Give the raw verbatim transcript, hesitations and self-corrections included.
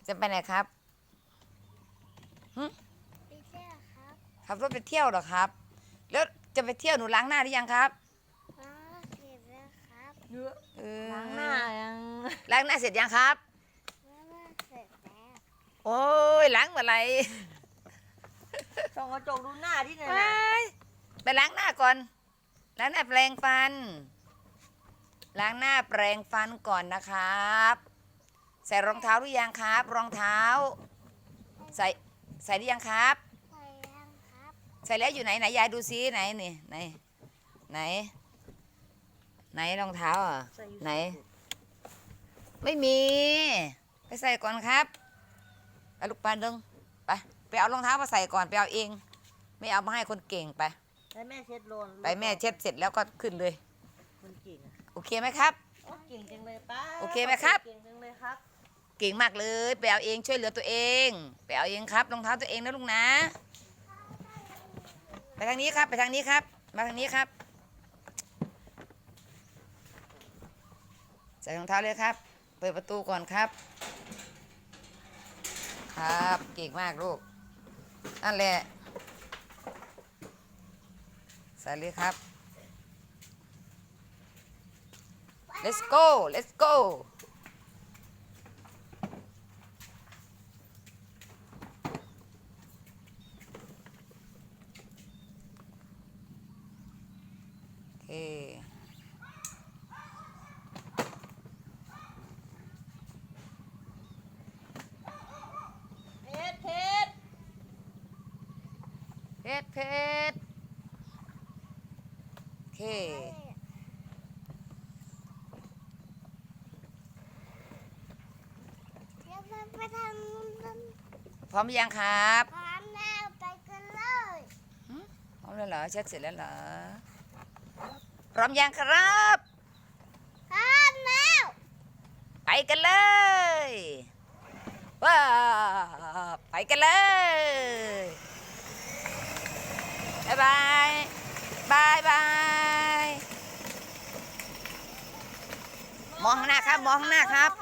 จะไปไหนครับหึไปเที่ยวครับขับรถไปเที่ยวเหรอครับ แล้วจะไปเที่ยวหนูล้างหน้าหรือยังครับอ๋อเสร็จแล้วครับเยอะเออล้างหน้ายังล้างหน้าเสร็จยังครับมามาเสร็จแล้วโอ้ยล้างเมื่อไหร่ส่องกระจกดูหน้าที่ไหนไปน่ะไปล้างหน้าก่อนล้างหน้าแปรงฟัน ล้างหน้าแปรงฟันก่อนนะครับ ใส่รองเท้าหรือยังครับ รองเท้า ใส่ใส่หรือยังครับใส่ยังครับใส่แล้วอยู่ไหนไหนยายดูซิไหนนี่ไหนไหน ไหนรองเท้าอ่ะใส่อยู่ไหน ไม่มี ไปใส่ก่อนครับไปลูกปลาดึงไปไปเอารองเท้ามาใส่ก่อนไปเอาเอง ไม่เอามาให้คนเก่งไปให้แม่เช็ดโลนไปแม่เช็ดเสร็จแล้วก็ขึ้นเลยคนเก่งอะโอเคไหมครับโอ้เก่งจังเลยป้าโอเคไหมครับเก่งจังเลยครับเก่งมากเลยไปเอาเองช่วยเหลือตัวเองไปเอาเองครับรองเท้าตัวเองนะลุงนะ ไปทางนี้ครับไปทางนี้ครับ มาทางนี้ครับ ใส่รองเท้าเลยครับ เปิดประตูก่อนครับ ครับเก่งมากลูกนั่นแหละใส่เลยครับ let's go let's go โอเคเพชรเพชรเพชรเพชรโอเคเดี๋ยวเราไปทำมันพร้อมหรือยังครับพร้อมแล้วไปกันเลยพร้อมแล้วเหรอเช็ดเสร็จแล้วเหรอพร้อมยังครับพร้อมแล้วไปกันเลยว้าไปกันเลยบายบายบายบายมองข้างหน้าครับมองข้างหน้าครับ